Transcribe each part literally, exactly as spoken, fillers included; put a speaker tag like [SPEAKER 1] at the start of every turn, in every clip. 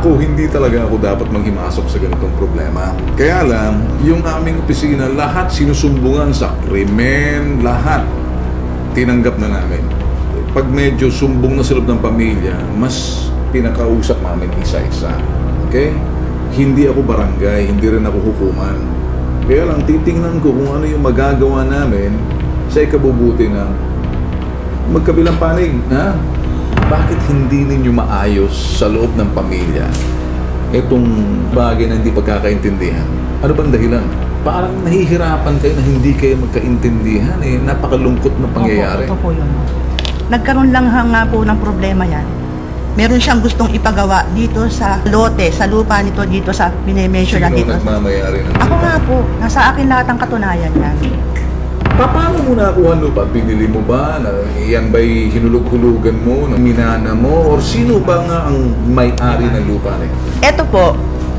[SPEAKER 1] Ako, hindi talaga ako dapat maghimasok sa ganitong problema. Kaya lang, yung aming opisina, lahat sinusumbungan sa krimen, lahat tinanggap na namin. Pag medyo sumbong na sa loob ng pamilya, mas pinakausap namin isa-isa. Okay? Hindi ako barangay, hindi rin ako hukuman. Kaya lang, titingnan ko kung ano yung magagawa namin sa ikabubuti ng magkabilang panig. Ha? Bakit hindi ninyo maayos sa loob ng pamilya itong bagay na hindi pagkakaintindihan? Ano bang dahilan? Parang nahihirapan kayo na hindi kayo magkaintindihan eh. Napakalungkot na pangyayari.
[SPEAKER 2] Opo, ito po yun. Nagkaroon lang nga po ng problema yan. Meron siyang gustong ipagawa dito sa lote, sa lupa nito dito sa pinimension na
[SPEAKER 1] Sino
[SPEAKER 2] dito.
[SPEAKER 1] nagmamayari ng
[SPEAKER 2] Ako nga po, nasa akin lahat ang katunayan yan.
[SPEAKER 1] Pa- Paano mo nakuha lupa? Binili mo ba? Na, yan ba'y hinulog-hulugan mo? Na minana mo? Or sino ba nga ang may-ari ng lupa na yun?
[SPEAKER 2] Ito po,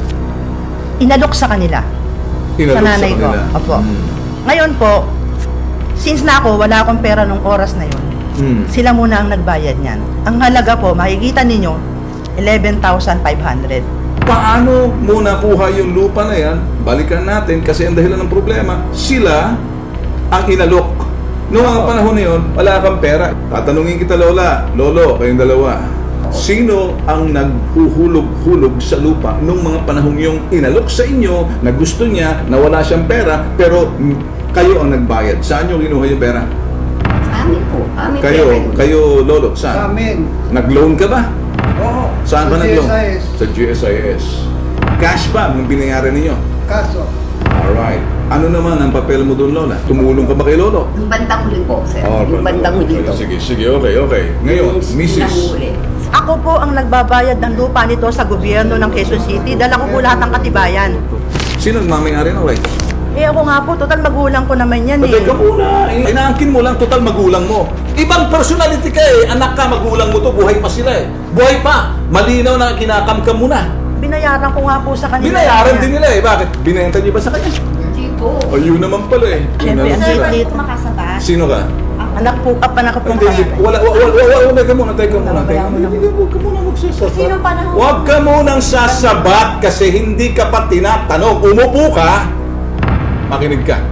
[SPEAKER 2] inalok sa kanila.
[SPEAKER 1] Inalok
[SPEAKER 2] Sa nanay ko.
[SPEAKER 1] kanila.
[SPEAKER 2] Opo.
[SPEAKER 1] Hmm.
[SPEAKER 2] Ngayon po, since na ako, wala akong pera nung oras na yun,
[SPEAKER 1] Hmm.
[SPEAKER 2] sila muna ang nagbayad niyan. Ang halaga po, makikita ninyo, eleven thousand five hundred.
[SPEAKER 1] Paano mo nakuha yung lupa na yan? Balikan natin kasi ang dahilan ng problema, sila ang inalok. Noong mga panahon na yun, wala kang pera. Tatanungin kita, Lola, Lolo, kayong dalawa, sino ang naghuhulog-hulog sa lupa nung mga panahong yung inalok sa inyo na gusto niya na wala siyang pera pero mm, kayo ang nagbayad? Saan nyo kinuha yung pera?
[SPEAKER 3] Amin po. Amin
[SPEAKER 1] Kayo,
[SPEAKER 3] po.
[SPEAKER 1] kayo Lolo,
[SPEAKER 4] Sa
[SPEAKER 1] saan?
[SPEAKER 4] amin.
[SPEAKER 1] Nag-loan ka ba?
[SPEAKER 4] Oo.
[SPEAKER 1] Saan
[SPEAKER 4] sa
[SPEAKER 1] ba nag-loan?
[SPEAKER 4] G S I S.
[SPEAKER 1] Sa G S I S. Cash ba nung binayaran ninyo?
[SPEAKER 4] Kaso,
[SPEAKER 1] Alright. Ano naman ang papel mo doon, Lola? Tumulong ka ba kay Lolo?
[SPEAKER 3] Yung bandang huli po, sir.
[SPEAKER 1] Oh,
[SPEAKER 3] yung bandang huli
[SPEAKER 1] okay,
[SPEAKER 3] po.
[SPEAKER 1] Sige, sige, okay, okay. Ngayon,
[SPEAKER 3] Yung
[SPEAKER 1] Missus
[SPEAKER 3] pinanghuli.
[SPEAKER 2] Ako po ang nagbabayad ng lupa nito sa gobyerno ng Quezon City. Dala ko po lahat ng katibayan.
[SPEAKER 1] Sino ang mamayari ng right?
[SPEAKER 2] Eh ako nga po, total magulang ko naman yan eh.
[SPEAKER 1] Teka muna, inaangkin mo lang total magulang mo. Ibang personality ka eh, anak ka, magulang mo to, buhay pa sila eh. Buhay pa, malinaw na kinakamkam mo na.
[SPEAKER 2] Binayaran ko nga po sa kanila.
[SPEAKER 1] Binayaran din nila eh, bakit? Binenta niyo ba sa kanya?
[SPEAKER 3] Hindi po.
[SPEAKER 1] Ayun naman pala eh.
[SPEAKER 2] Siyempre,
[SPEAKER 1] Yun na lang
[SPEAKER 2] ang
[SPEAKER 1] sila.
[SPEAKER 2] liit.
[SPEAKER 3] Makasabat.
[SPEAKER 1] Sino ka?
[SPEAKER 2] Anak po, apa na po.
[SPEAKER 1] Hindi, hindi. Wala, wala, wala, wala, wala, teka muna, teka muna, teka muna. Hindi, huwag ka muna magsasabat.
[SPEAKER 3] Sino pa na-
[SPEAKER 1] Huwag ka munang sasabat kasi hindi ka pa tinatanong. Umupo ka, makinig ka.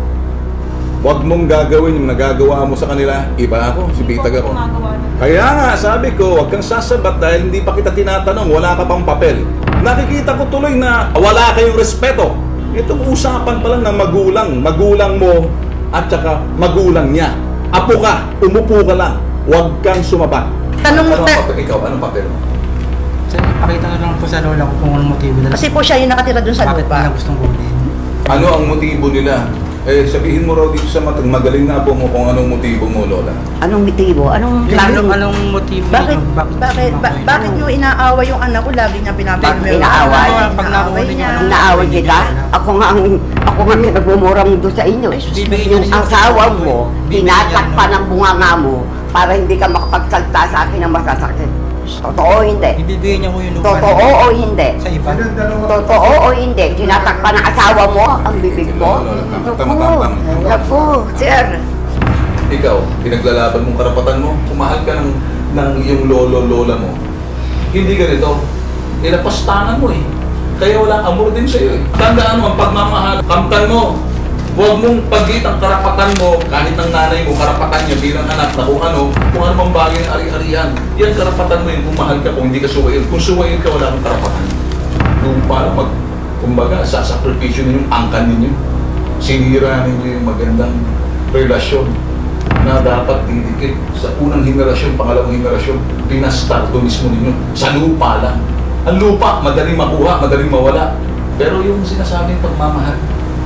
[SPEAKER 1] Huwag mong gagawin yung nagagawa mo sa kanila. Iba ako, si Bitag ako. Kaya nga, sabi ko, huwag kang sasabat dahil hindi pa kita tinatanong, wala ka pang papel. Nakikita ko tuloy na wala kayong respeto. Itong usapan pa lang ng magulang, magulang mo at saka magulang niya. Apo ka, umupo ka lang, huwag kang sumabat.
[SPEAKER 2] Tanong mo,
[SPEAKER 1] Anong
[SPEAKER 2] ta-
[SPEAKER 1] papel? Ikaw, anong papel mo?
[SPEAKER 5] Sir, pakita na lang po sa lola ko kung anong motibo nila.
[SPEAKER 2] kasi po siya yung nakatira dun sa
[SPEAKER 5] bakit
[SPEAKER 2] lupa.
[SPEAKER 5] nila gustong kunin.
[SPEAKER 1] Ano ang motibo nila? Eh, sabihin mo raw dito sa matag, magaling na po mo kung anong motibo mo, Lola.
[SPEAKER 3] Anong motibo? Anong
[SPEAKER 5] Yung
[SPEAKER 3] plano?
[SPEAKER 5] anong, anong motibo
[SPEAKER 2] Bakit,
[SPEAKER 5] nila?
[SPEAKER 2] bakit, ba- bakit nyo inaaway yung anak ko? Lagi niya pinapagmero.
[SPEAKER 3] Bakit inaaway?
[SPEAKER 5] Pag nakuha niya,
[SPEAKER 3] Ang naaway kita? Ako nga ang ako nga pinagmumura mo doon sa inyo.
[SPEAKER 5] bibigyan
[SPEAKER 3] Yung
[SPEAKER 5] niya siya
[SPEAKER 3] asawa
[SPEAKER 5] ng-
[SPEAKER 3] mo,
[SPEAKER 5] bibigyan
[SPEAKER 3] tinatakpan
[SPEAKER 5] niya
[SPEAKER 3] ng bunganga mo para hindi ka makapagsalta sa akin ng masasakit. Totoo o hindi?
[SPEAKER 5] ibibigay niya ko yung lupa
[SPEAKER 3] Totoo
[SPEAKER 5] nila
[SPEAKER 3] o hindi?
[SPEAKER 5] sa iba.
[SPEAKER 4] silang dalawa.
[SPEAKER 3] Totoo o hindi? Tinatakpan ng asawa mo ang bibig mo?
[SPEAKER 1] Lola, tama,
[SPEAKER 3] Naku,
[SPEAKER 1] tama, tama, tama.
[SPEAKER 3] naku, sir.
[SPEAKER 1] Ikaw, pinaglalaban mong karapatan mo, kumahal ka ng, ng iyong lolo-lola mo. Hindi ganito. Ilapastangan mo eh. Kaya walang amor din sa'yo eh. Tandaan mo, ang pagmamahal, kamtan mo. Huwag mong pagit ang karapatan mo, kahit ng nanay mo, karapatan niya bilang anak na kung ano, kung ano mang bagay na ari-arian. Yan karapatan mo yun kung mahal ka, kung hindi ka suwail. Kung suwail ka, wala kang karapatan. Yung para mag, kumbaga, sasakripisyo ninyo, angkan ninyo. Sinira ninyo yung magandang relasyon na dapat didikit sa unang henerasyon, pangalawang henerasyon, pinastarto mismo ninyo. Sa lupa lang. Ang lupa, madaling makuha, madaling mawala. Pero yung sinasabing pagmamahal,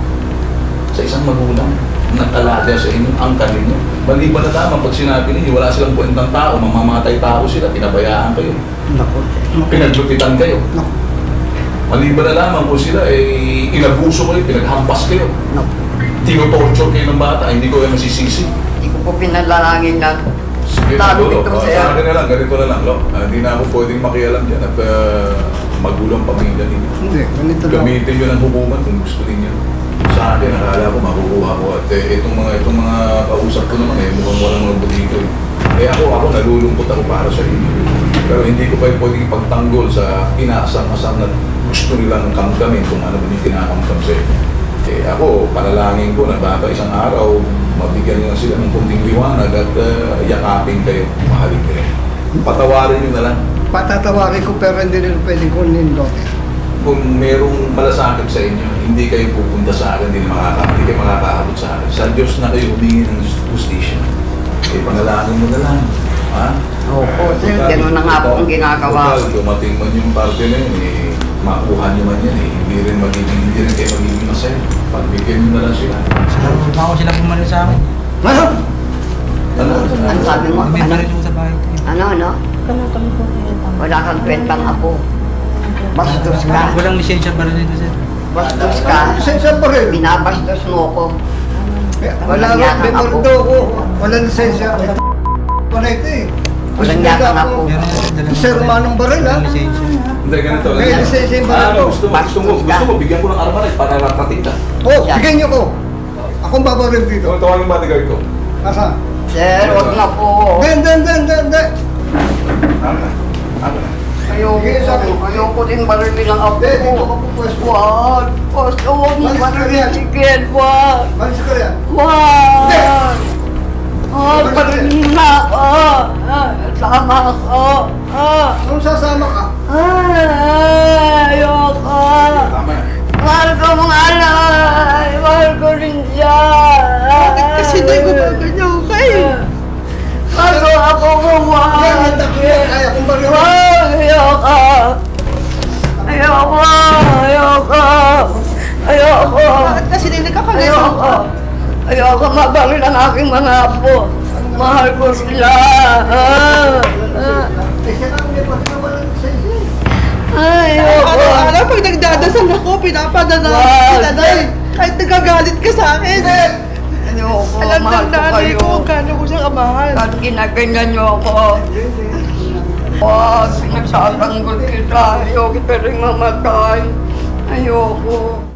[SPEAKER 1] sa isang magulang, nag-alaga sa inyo, angkan ninyo. Maliban na lamang pag sinabi ninyo, wala silang kwentang tao, mamamatay tao sila, pinabayaan kayo,
[SPEAKER 5] Naku.
[SPEAKER 1] pinaglupitan kayo.
[SPEAKER 5] Naku.
[SPEAKER 1] Maliban na lamang kung sila, eh, inabuso kayo, pinaghampas kayo.
[SPEAKER 3] No.
[SPEAKER 1] Tinotorture kayo ng bata, hindi ko yan masisisi.
[SPEAKER 3] Hindi ko po pinalalangin na
[SPEAKER 1] Sige,
[SPEAKER 3] Talo
[SPEAKER 1] Lolo,
[SPEAKER 3] ito,
[SPEAKER 1] uh,
[SPEAKER 3] sir.
[SPEAKER 1] sa akin na lang, ganito na lang, Lo. Ah, Hindi na ako pwedeng makialam dyan at uh, magulang pamilya ninyo.
[SPEAKER 4] Hindi, ganito lang.
[SPEAKER 1] Gamitin nyo ng hukuman kung gusto ninyo. Sa akin, nakala ko makukuha ko at eh, itong mga itong mga kausap ko naman eh, mukhang walang mga butito eh. Eh ako, ako nalulungkot ako para sa inyo. Pero hindi ko kayo pwedeng ipagtanggol sa inaasam-asam na gusto nilang kamkamin kung ano man yung kinakamkam sa inyo. Eh ako, panalangin ko na baka isang araw, mabigyan nila sila ng kunting liwanag at uh, yakapin kayo, mahalin kayo. Patawarin nyo na lang.
[SPEAKER 4] Patatawarin ko pero hindi nila pwedeng kunin lote.
[SPEAKER 1] Kung merong malasakit sa inyo, hindi kayo pupunta sa akin, hindi, makaka, hindi kayo makakaabot sa akin. Sa Diyos na kayo humingi ng justisya. Eh, panalangin mo na lang. Ha?
[SPEAKER 3] Opo, sir. Ganun na nga po ang ginagawa ko.
[SPEAKER 1] Total, dumating man yung parte na yun, eh, makuha nyo man yan, eh. Hindi rin magiging, hindi rin kayo magiging masaya. Pagbigyan nyo na lang sila.
[SPEAKER 5] Baka ko sila bumalik sa akin.
[SPEAKER 4] Ano?
[SPEAKER 1] Ano?
[SPEAKER 3] Ano sabi mo?
[SPEAKER 5] May
[SPEAKER 3] Ano?
[SPEAKER 5] balik ko sa bahay ko. eh.
[SPEAKER 3] Ano, ano? Wala kang kwentang apo. Bastos ka.
[SPEAKER 5] Walang lisensya pa rin dito, sir.
[SPEAKER 3] Bastos ka.
[SPEAKER 4] Lisensya pa rin.
[SPEAKER 3] Binabastos mo ko.
[SPEAKER 4] Wala nga, may mordo ko. Walang lisensya. Wala ito eh.
[SPEAKER 3] Walang yakang ako.
[SPEAKER 5] Meron na sir, dalawang
[SPEAKER 4] Sir, manong baril, ha?
[SPEAKER 5] Walang lisensya.
[SPEAKER 1] Hindi, ganito.
[SPEAKER 4] May
[SPEAKER 1] ganito.
[SPEAKER 4] lisensya yung
[SPEAKER 1] Ah,
[SPEAKER 4] baril ko.
[SPEAKER 1] gusto mo, gusto mo, gusto mo, bigyan ko ng armalite para ratating ka.
[SPEAKER 4] Oh, bigyan niyo ko. Akong babaril dito.
[SPEAKER 1] Ito, tawagin yung bodyguard ko.
[SPEAKER 4] Asa?
[SPEAKER 3] Sir, wag na po.
[SPEAKER 4] Den, den, den, den, den.
[SPEAKER 1] Ano na? Ano na?
[SPEAKER 3] Ayoko, ayoko din barilin ang apo
[SPEAKER 4] Den, dito
[SPEAKER 3] ko.
[SPEAKER 4] ko po pwesto.
[SPEAKER 3] Wag. Basta huwag mo
[SPEAKER 4] Malis ka
[SPEAKER 3] barilin
[SPEAKER 4] riyan.
[SPEAKER 3] si Ken. Wag.
[SPEAKER 4] Malis ka rin.
[SPEAKER 3] Wag. Wag, barilin na ako. Ah, Sama ako. Ah.
[SPEAKER 4] Anong sasama ka?
[SPEAKER 3] Ay, ayoko.
[SPEAKER 1] Tama na.
[SPEAKER 3] Mahal ko mga alay. Mahal ko rin siya.
[SPEAKER 2] Bakit kasi nagbabaganyaw kayo?
[SPEAKER 3] Bago ako gumawa.
[SPEAKER 4] Yan, handa ko yan. Kaya kong baril.
[SPEAKER 3] Wag, ayoko. Ayoko. Ayoko. Ayoko.
[SPEAKER 2] Bakit kasi nagkakalayo?
[SPEAKER 3] Ayoko. Ayoko mabaril ang aking mga apo. Mahal ko sila. Ah. Ah.
[SPEAKER 4] Eh, siya lang, may pati na walang lisensya.
[SPEAKER 3] Ayoko.
[SPEAKER 2] Araw-araw pag nagdadasal ako, pinapadala
[SPEAKER 3] Wag.
[SPEAKER 2] kita na eh. Kahit nagagalit ka sa akin.
[SPEAKER 3] Ayoko.
[SPEAKER 2] Alam
[SPEAKER 3] Mahal
[SPEAKER 2] ng
[SPEAKER 3] ko
[SPEAKER 2] nanay
[SPEAKER 3] kayo.
[SPEAKER 2] ko kung gaano ko siya kamahal.
[SPEAKER 3] At ginaganyan niyo ako. Wag, pinagsasanggol kita. Ayoko pa rin mamatay. Ayoko.